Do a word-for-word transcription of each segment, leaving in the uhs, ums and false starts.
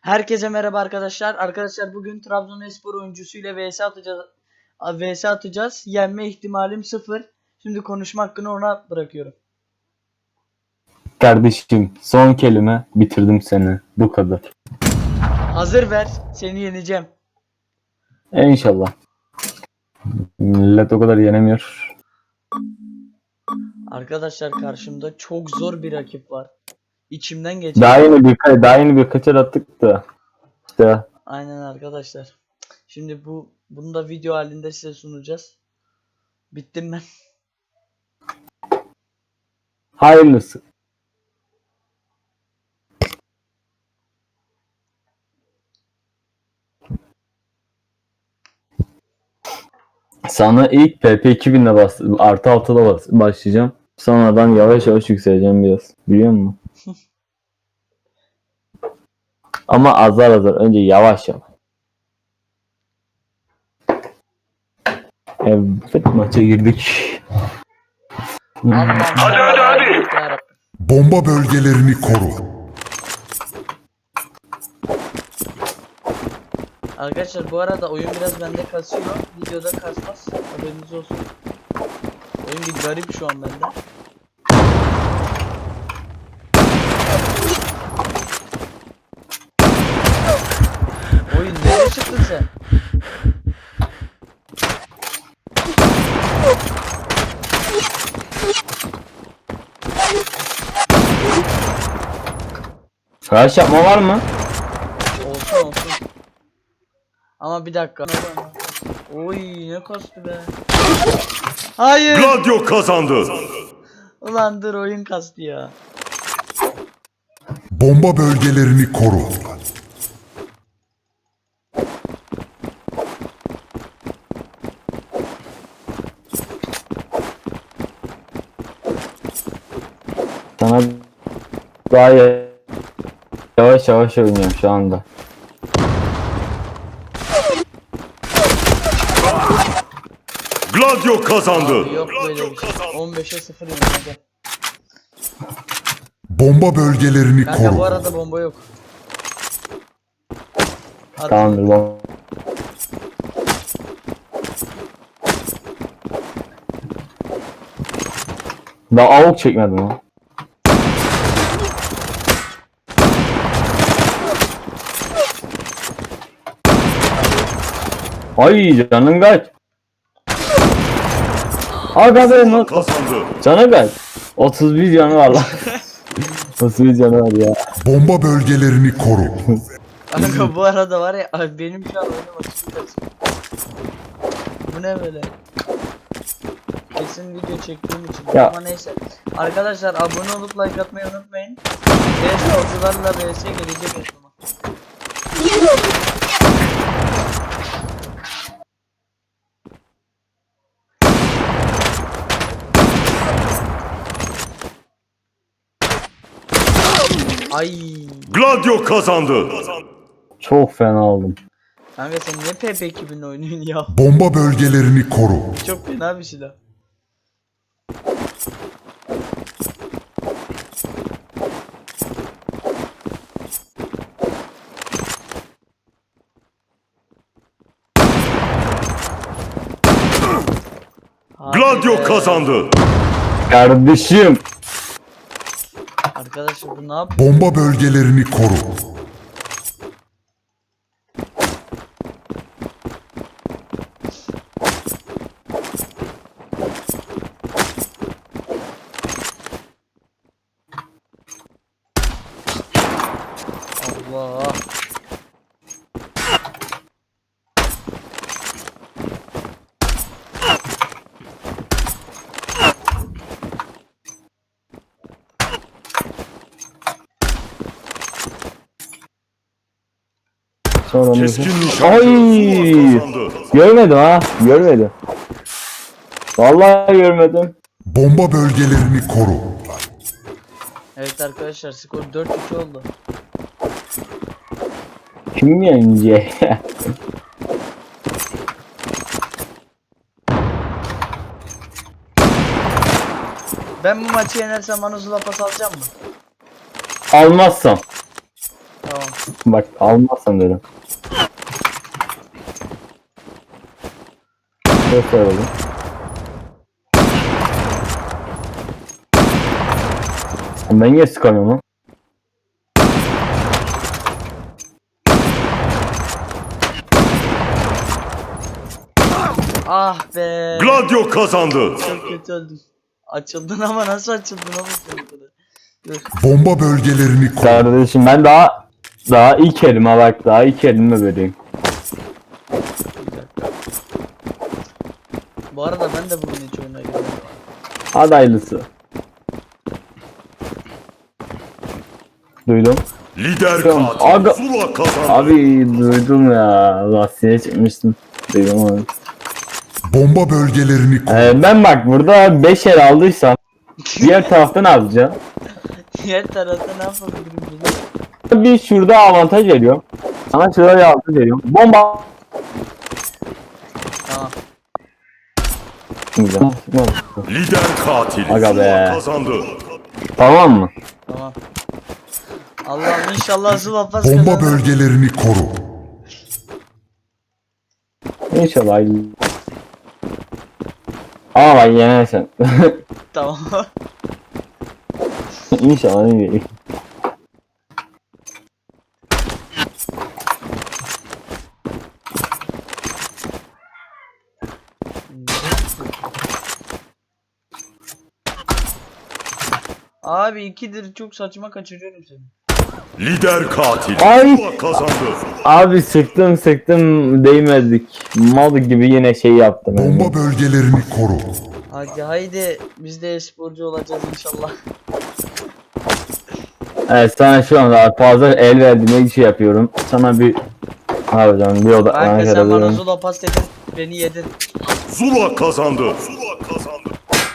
Herkese merhaba arkadaşlar. Arkadaşlar bugün Trabzonspor oyuncusuyla vs atacağız. vs atacağız. Yenme ihtimalim sıfır. Şimdi konuşma hakkını ona bırakıyorum. Kardeşim son kelime, bitirdim seni. Bu kadar. Hazır ver. Seni yeneceğim. İnşallah. Millet o kadar yenemiyor. Arkadaşlar karşımda çok zor bir rakip var. İçimden geçen. Daha yeni bir daha yeni bir kaçar attık da. İşte Aynen arkadaşlar. Şimdi bu bunu da video halinde size sunacağız. Bittim ben. hayırlısı. Sana ilk P P iki binle bas artı altıda bas başlayacağım. Sonradan yavaş yavaş yükseleceğim biraz. Biliyor musun? Ama azar azar. Önce yavaş yavaş. Evet, maça girdik. Allah'ım. Hadi hadi hadi. Bomba bölgelerini koru. Arkadaşlar bu arada oyun biraz bende kasıyor. Videoda kasmaz. Haberiniz olsun. Oyun bir garip şu an bende. Oyun nereye çıktın sen? Crash yapma var mı? Olsun olsun. Ama bir dakika. Oy ne kastı be. Hayır. Gladio kazandı. Ulan dur oyun kastı ya. Bomba bölgelerini koru. Sana daha yavaş yavaş oynuyorum şu anda. Gladio kazandı. Abi yok böyle bir şey. on beşe sıfır yenildi. Bomba bölgelerini Kanka bu koru. arada bomba yok. Hadi. Tamamdır lan. Daha avuk çekmedim ha. Ay canın kaç. Aga be not. Kazandı. Canı kaç. otuz bir canı var lan. otuz bir canı var ya. Bomba bölgelerini koru. Kanka bu arada var ya abi benim şu an oyunum açık kaçıyor. Bu ne böyle? Kesin video çektiğim için Ya. ama neyse. Arkadaşlar abone olup like atmayı unutmayın. V S hocalarla V S gelecek o zaman. Ay. Gladio kazandı. Çok fena oldum. Kanka sen niye P P iki bin oynuyorsun ya? Bomba bölgelerini koru. Çok fena bir silah. Hadi Gladio be. kazandı. Kardeşim. Arkadaşlar bu ne yapıyor? Bomba bölgelerini koru. Allah. Sonra Keskin Ay. nişancı kazandı. Görmedim ha. Görmedim. Vallahi görmedim. Bomba bölgelerini koru. Evet arkadaşlar skor dört iki oldu. Kim yenecek? Ben bu maçı yenersem bana Zula pas alacağım mı? Almazsam. Tamam Tamam. Bak almazsan derim. Göster oğlum. Ben niye sıkamıyorum lan? Ah be. Gladio kazandı. Çok kötü öldüm. Açıldın ama nasıl açıldın ama bu kadar. Dur. Bomba bölgelerini koru. Kardeşim ben daha daha ilk elime bak daha ilk elime vereyim. Bir dakika. Bu arada ben de bugün hiç oyuna girmedim. Hadi hayırlısı. Duydum. Lider Tamam, katil aga- Zula kazandı. Abi duydum ya. Lastiğe çıkmıştım. Duydum abi. Bomba bölgelerini koru. Ee, ben bak burada beş el aldıysam diğer tarafta ne yapacağım? Diğer tarafta ne yapabilirim bunu? Bir şurada avantaj veriyor. Sana şurada bir avantaj veriyor. Bomba. Tamam. Güzel. Lider katil Aga Zula be. kazandı. Tamam mı? Tamam. Allah'ım inşallah Zula pas Bomba kazanır. bölgelerini koru. İnşallah. Ama bak yenersen. Tamam. İnşallah iyi. Abi ikidir çok saçma kaçırıyorum seni. Lider katil Ay. Zula kazandı. Abi sıktım sıktım değmedik. Mal gibi yine şey yaptım. yani. Bomba bölgelerini koru. Hadi haydi biz de e-sporcu olacağız inşallah. Evet sana şu anda fazla el verdiğime şey yapıyorum. Sana bir harbiden bir oda Kanka sen bana kadar Zula pas dedin beni yedin. Zula kazandı. Zula kazandı.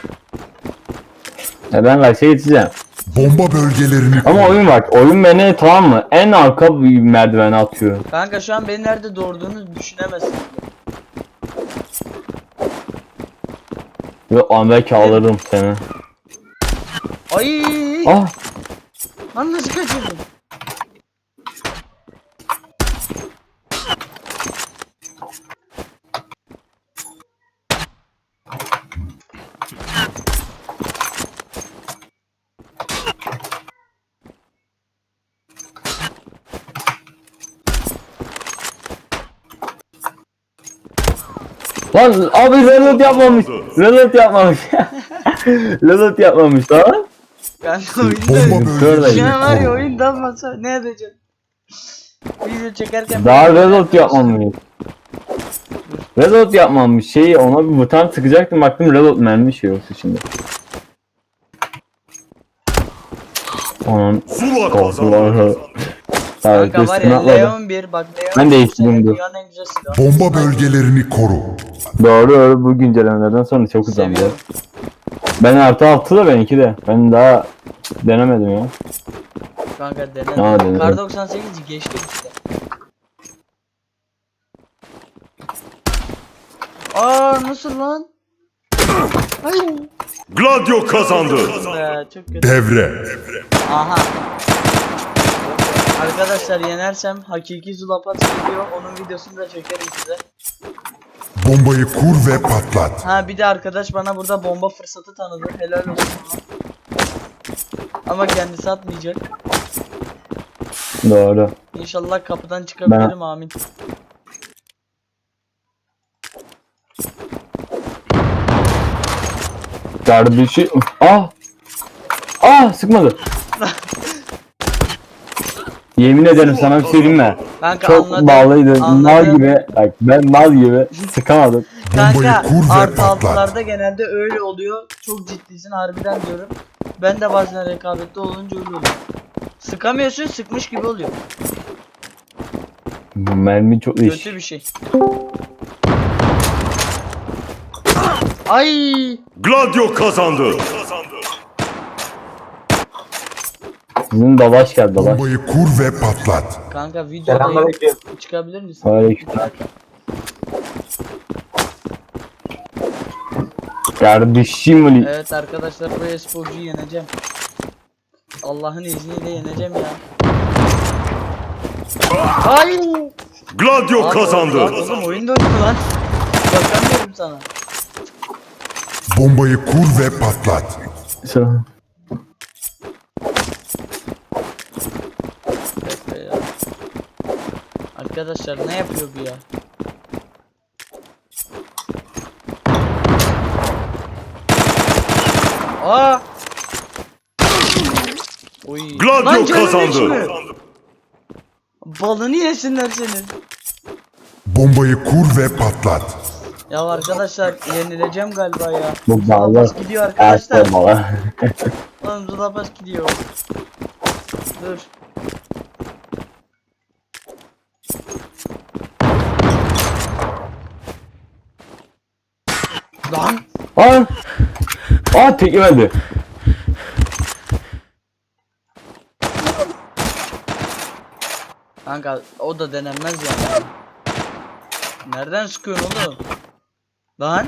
e ben bak şey içeceğim. Bomba bölgelerini koru. Ama oyun bak oyun beni tamam mı en arka bir merdivene atıyor. Kanka şu an beni nerede doğurduğunu düşünemezsin. Ve an belki alırım seni. Ay! Ah Lan nasıl kaçırdın? lan abi reload yapmamış. Reload yapmamış. Reload yapmamış lan. Kanka Bomba oyunda Şöyle şu an var ya bölgelerini koru. oyundan masa ne edeceğim? Video çekerken Daha böyle reload yapmamış. Reload yapmamış şeyi ona bir buton sıkacaktım baktım reload mermi şey yoksa şimdi. Onun Zula korkuları. kazandı. Evet Kanka var üstüne ya atladı. Leon bir bak Leon Ben bir değiştirdim sene dur. dünyanın en güzel silahı. Bomba bölgelerini koru. Doğru doğru bu güncellemelerden sonra çok uzandı. Seviyorum. Ben artı altı da ben iki de. Ben daha denemedim ya. Kanka Aa, dene. denedim. Kar doksan sekiz geçti işte. Aa nasıl lan? Ay. Gladio kazandı. Be, çok kötü. Devre. Aha. Arkadaşlar yenersem hakiki Zulapat geliyor. Onun videosunu da çekerim size. Bombayı kur ve patlat. Ha bir de arkadaş bana burada bomba fırsatı tanıdı. Helal olsun ona. Ama kendisi atmayacak. Doğru. İnşallah kapıdan çıkabilirim amin. Kardeşi. Ah. Ah sıkmadı. Yemin ederim sana bir şey söyleyeyim mi? Kanka Çok anladım. bağlıydı. anladım. Mal gibi. Bak ben mal gibi sıkamadım. Bombayı Kanka kur ve artı patlat. altılarda genelde öyle oluyor. Çok ciddisin harbiden diyorum. Ben de bazen rekabette olunca öyle oluyor. Sıkamıyorsun sıkmış gibi oluyor. Mermi çok iş. Kötü bir şey. Ay! Gladio kazandı. Sizin dalaş geldi dalaş. Bombayı kur ve patlat. Kanka videodayım. Çıkabilir misin? Aleykümselam. Kardeşim Ali. Evet arkadaşlar bu e-sporcuyu yeneceğim. Allah'ın izniyle yeneceğim ya. Ay. Gladio Abi, kazandı. abi, Oğlum oyun döndü lan. Bakamıyorum sana. Bombayı kur ve patlat. Şu- Bekle ya. Arkadaşlar ne yapıyor bu ya? Aa! Oy. Gladio Lan canım kazandı. içimi. Balını yesinler senin. Bombayı kur ve patlat. Ya arkadaşlar yenileceğim galiba ya. Bu bağlı. Zulapas gidiyor arkadaşlar. Ertuğrul baba. Oğlum Zulapas gidiyor. Dur. Lan. Aa! Aa tek yemedi. Kanka o da denenmez yani. Nereden sıkıyorsun oğlum? Lan.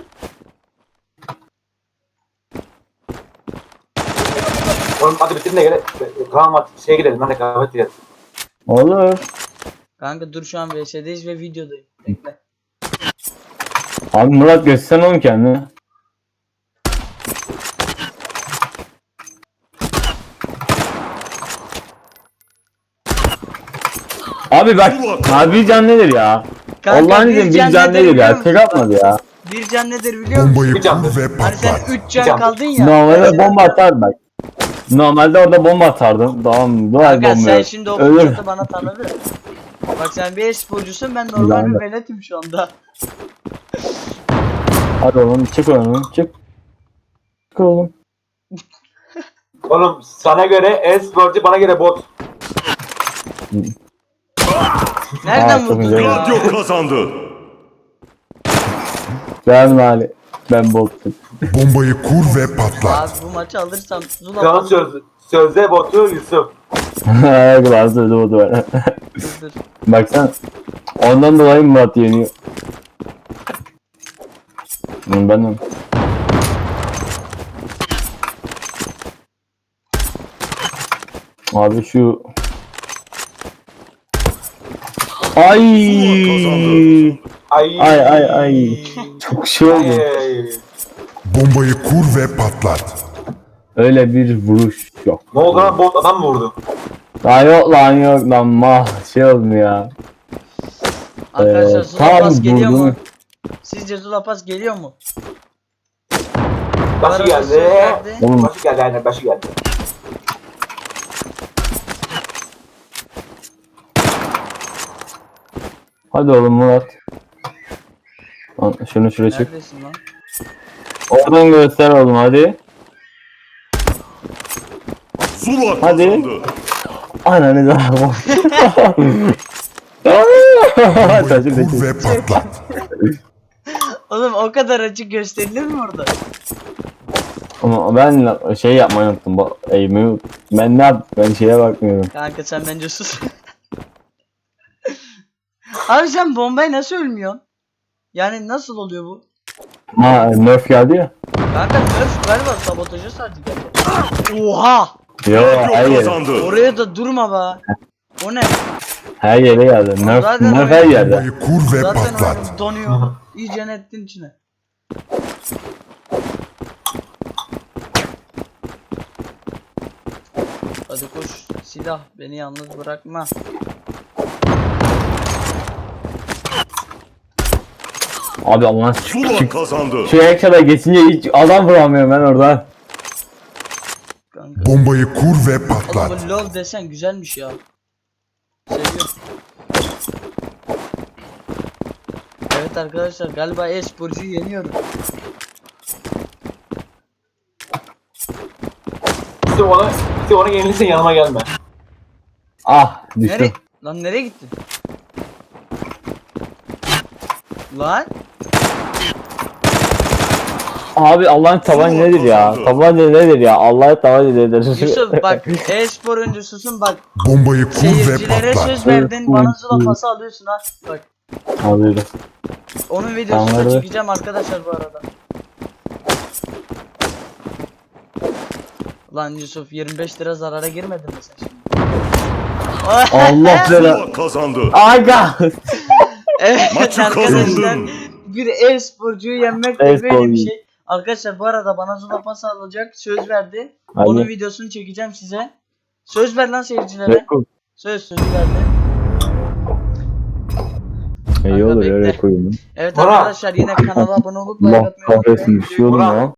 Oğlum hadi bitirin de gele. Kaan var. Şeye gidelim. Ben de kahve gidelim. Olur. Kanka dur şu an V S'deyiz ve videodayım. Bekle. Abi Murat göstersen oğlum kendini. Abi bak abi can nedir ya? Kanka, Allah'ın bir izniyle can bir can nedir nedir biliyor ya? musun? Tek atmadı ya. Bir can nedir biliyor musun? Bombayı Bir can. kur ve Hani sen patlat. üç can can. kaldın ya. Normalde mesela- bomba atardım bak. Normalde orada bomba atardım. Tamam. Doğal Kanka bomba sen yok. şimdi o Ölür. fırsatı bana tanıdın. Bak sen bir e-sporcusun, ben normal Yani. bir veletim şu anda. Hadi oğlum çık oğlum çık. Çık oğlum. Oğlum sana göre e-sporcu, bana göre bot. Nereden Aa, çok vurdun güzel. ya? Gladio kazandı. Ben Ali. Ben botum. Bombayı kur ve patlat. Abi bu maçı alırsam Zula Kaan söz, sözde botu Yusuf. Ayaklar sözü botu var. dur dur. Baksana. Ondan dolayı Murat yeniyor. Hı, Ben de. Abi şu Ay Ay. ay ay ay çok şey oldu. Ay. Bombayı kur ve patlat. Öyle bir vuruş yok. Ne oldu lan, bot adam mı vurdu? Lan yok lan yok lan mah şey olmuyor ya. Arkadaşlar Ee, Zula tam Pas geliyor mu? vurdum. Sizce Zula Pas geliyor mu? Başı Arada geldi. söz verdi. Oğlum Başı geldi aynen, başı geldi. hadi oğlum Murat. Lan şunu şuraya çık. Neredesin lan? Oradan göster oğlum hadi. Zula Hadi. kazandı. Ananı da. Bombayı Saçım kur saçım. ve patlat. Oğlum o kadar açık gösterilir mi orada? Ama ben şey yapmayı unuttum. Bu eğimi ben ne yap? Ben şeye bakmıyorum. Kanka sen bence sus. Abi sen bombayı nasıl ölmüyorsun? Yani nasıl oluyor bu? Ha Nerf geldi ya. Kanka nerf galiba sabotajı sadece geldi. Oha! Yo her Gladio yere. kazandı. Oraya da durma be. O ne? Her yere geldi. Nerf, Zaten Nerf öyle. her yerde. Bombayı kur ve Zaten patlat. oyun donuyor. İyice nettin içine. Hadi koş silah, beni yalnız bırakma. Abi Allah Zula çık. kazandı. Şu ekşada geçince hiç adam vuramıyorum ben oradan. Kanka. Bombayı kur ve Oğlum patlat. bu love desen güzelmiş ya. Seviyorum. Evet arkadaşlar galiba e-sporcuyu yeniyorum. Yusuf ona, Yusuf ona yenilirsen yanıma gelme. Ah Nereye? düştüm. Lan nereye gittin? Lan? Abi Allah'ın tabancı Zula nedir ya? kazandı. Tabanca nedir ya? Allah'ın tabancı nedir? Yusuf bak e-spor oyuncususun bak. Bombayı kur ve Seyircilere patlat. söz verdin, bana Zula pası alıyorsun ha. Bak Alıyorum. onun videosunu da Anladım. çekeceğim arkadaşlar bu arada. Lan Yusuf yirmi beş lira zarara girmedin mi sen şimdi? Allah bela. Zula kazandı. Aga. Evet Maçı arkadaşlar. kazandın. Bir e-sporcuyu yenmek de böyle bir E-sporcu. şey. Arkadaşlar bu arada bana Zula pas alacak söz verdi. Hadi. Onun videosunu çekeceğim size. Söz ver lan seyircilere. Rekor. Söz sözü verdi. İyi olur ya bekle. rekor. Evet Bora. arkadaşlar yine kanala abone olup like Allah atmayı unutmayın. kahretsin düşüyordum Bora. ya.